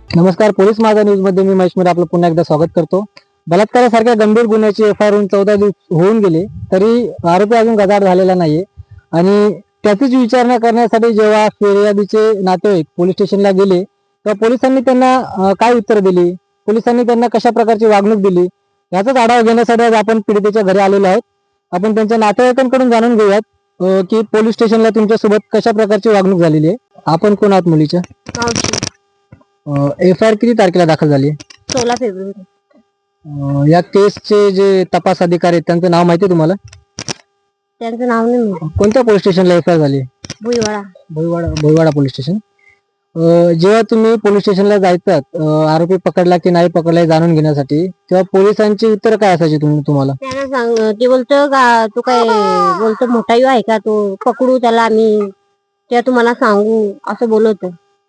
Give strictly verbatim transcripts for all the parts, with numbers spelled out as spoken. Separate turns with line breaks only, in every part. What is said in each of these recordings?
नमस्कार. पोलीस माझा न्यूज मध्ये मी महेश मोरे आपलं पुन्हा एकदा स्वागत करतो. बलात्कारासारख्या गंभीर गुन्ह्याची एफ आय आर होऊन चौदा दिवस होऊन गेले तरी आरोपी अजून गजाआड झालेला नाहीये आणि त्याचीच विचारणा करण्यासाठी जेव्हा फिर्यादीचे नातेवाईक पोलीस स्टेशनला गेले तेव्हा पोलिसांनी त्यांना अं, काय उत्तर दिली, पोलिसांनी त्यांना कशा प्रकारची वागणूक दिली याचाच आढावा घेण्यासाठी आज आपण पीडितेच्या घरी आलेलो आहोत. आपण त्यांच्या नातेवाईकांकडून जाणून घेऊयात अं, की पोलीस स्टेशनला तुमच्यासोबत कशा प्रकारची वागणूक झालेली आहे. आपण कोण आहात मुलीच्या?
मावशी.
एफ आय आर किती तारखेला दाखल झाली?
सोळा फेब्रुवारी.
अं, या केसचे जे तपास अधिकारी आहेत त्यांचं नाव माहिती आहे तुम्हाला?
त्यांचं नाव नाही माहिती.
कोणत्या पोलीस स्टेशनला एफ आय आर झाली?
भुईवाडा.
Bhoiwada Bhoiwada police station. अं, जेव्हा तुम्ही पोलीस स्टेशनला जायचात अं, आरोपी पकडला की नाही पकडला हे जाणून घेण्यासाठी, तेव्हा पोलिसांची उत्तर काय असायची तुम- तुम्हाला?
त्यानं सांग ते बोलतो का तू काय बोलतो मोठा यू आहे का तो पकडू त्याला आम्ही त्या तुम्हाला सांगू असं बोलत.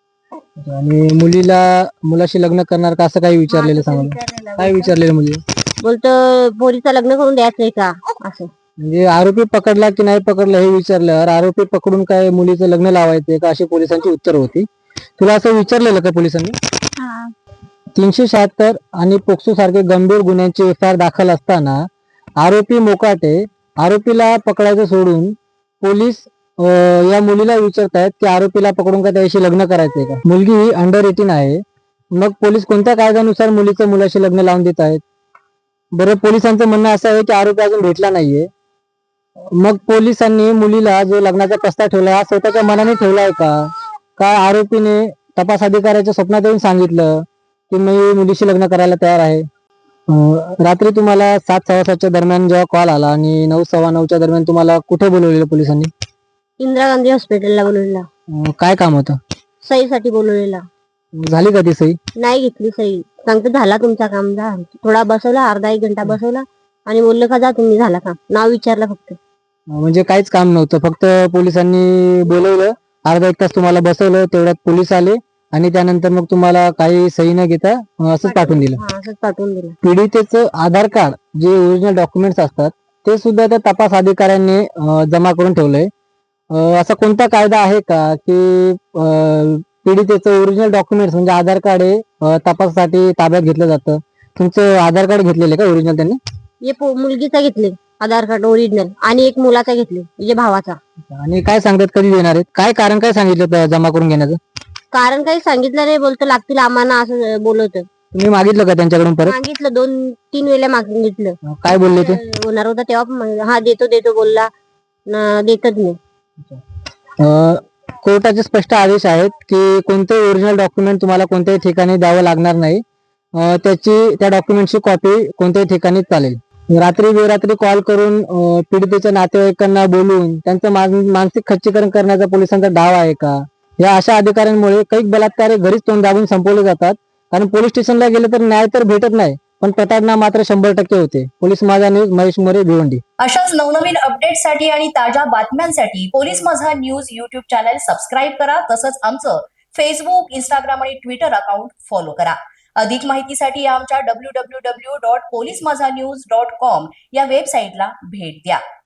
आणि मुलीला मुलाशी लग्न करणार का असं काही विचारलेलं सांगा. काय विचारलेलं मुली?
बोलतो पोरीचं लग्न करून द्यायचंय का असं.
म्हणजे आरोपी पकडला की नाही पकडला हे विचारल्यावर आरोपी पकडून काय मुलीचं लग्न लावायचंय का अशी पोलिसांची उत्तर होती. तुला असं विचारलेलं का पोलिसांनी? तीनशे शहात्तर आणि पोक्सो सारखे गंभीर गुन्ह्यांची एफ आय आर दाखल असताना आरोपी मोकाटे आरोपीला पकडायचं सोडून पोलीस अं, या मुलीला विचारतायत की आरोपीला पकडून का त्याशी लग्न करायचंय का. मुलगी ही अंडर एटीन आहे, मग पोलीस कोणत्या कायद्यानुसार मुलीचं मुलाशी लग्न लावून देत आहेत? बरं, पोलिसांचं म्हणणं असं आहे की आरोपी अजून भेटला नाहीये. मग पोलिसांनी मुलीला जो लग्नाचा प्रस्ताव ठेवला हा स्वतःच्या मनाने ठेवलाय का का आरोपीने तपास अधिकाऱ्याच्या स्वप्नात येऊन सांगितलं की मी मुलीशी लग्न करायला तयार आहे? अं, रात्री तुम्हाला सात सव्वा सातच्या दरम्यान जेव्हा कॉल आला आणि नऊ सव्वा नऊच्या दरम्यान तुम्हाला कुठे बोलवलेलं पोलिसांनी?
इंदिरा गांधी हॉस्पिटलला बोलवलेला.
अं, काय काम होतं?
सहीसाठी बोलवलेला.
झाली का ती सही?
नाही घेतली सही. सांगतो झाला तुमचा काम जा. थोडा बसवला अर्धा एक घंटा बसवला आणि बोललं का जा तुम्ही झाला काम. नाव विचारलं फक्त.
अं, म्हणजे काहीच काम नव्हतं, फक्त पोलिसांनी बोलवलं, अर्धा एक तास तुम्हाला बसवलं, तेवढ्यात पोलीस आले आणि त्यानंतर मग तुम्हाला काही सही न घेता अं, असंच पाठवून दिलं.
हा असंच पाठवून दिलं.
पीडितेचं आधार कार्ड जे ओरिजिनल डॉक्युमेंट्स असतात ते सुद्धा त्या तपास अधिकाऱ्यांनी अं, जमा करून ठेवलंय. अं, असा कोणता कायदा आहे का की अं, पीडितेचं ओरिजिनल डॉक्युमेंट्स म्हणजे आधार कार्ड हे अं, तपासासाठी ताब्यात घेतलं जातं? तुमचं आधार कार्ड घेतलेलं आहे का ओरिजिनल त्यांनी?
हे पो- मुलगीचा घेतले आधार कार्ड ओरिजिनल आणि एक मुलाचा घेतले म्हणजे भावाचा.
आणि काय सांगतात कधी देणार आहेत? काय कारण काय सांगितलं त्या जमा करून घेण्याचं?
कारण काही सांगितलं नाही. बोलतो लागतील आम्हाला असं बोलवत.
तुम्ही मागितलं का त्यांच्याकडून परत?
मागितलं दोन तीन वेळेला मागितलं.
अं, काय बोलले ते?
होणार होता तेव्हा पण म्हण- हा देतो देतो बोलला न देतच नाही.
अं, कोर्टाचे स्पष्ट आदेश आहेत की कोणतेही ओरिजिनल डॉक्युमेंट तुम्हाला कोणत्याही ठिकाणी द्यावं लागणार नाही. अं, त्याची त्या डॉक्युमेंटची कॉपी कोणत्याही ठिकाणी चालेल. रात्री बेरात्री कॉल करून अं, पीडितेच्या नातेवाईकांना बोलून त्यांचं मान- मानसिक खच्चीकरण करण्याचा पोलिसांचा डाव आहे का? या अशा अधिकाऱ्यांमुळे काही बलात्कार हे घरीच तोंड दाबून संपवले जातात. कारण पोलीस स्टेशनला गेले तर न्याय तर भेटत नाही, पण प्रताडणा मात्र शंभर टक्के होते. पोलीस माझा न्यूज, महेश मोरे, भिवंडी.
अशाच नवनवीन अपडेटसाठी आणि ताज्या बातम्यांसाठी पोलीस माझा न्यूज युट्यूब चॅनल सबस्क्राईब करा. तसंच आमचं फेसबुक, इंस्टाग्राम आणि ट्विटर अकाउंट फॉलो करा. अधिक माहितीसाठी आमच्या W W W dot police माझा न्यूज डॉट कॉम या वेबसाईटला भेट द्या.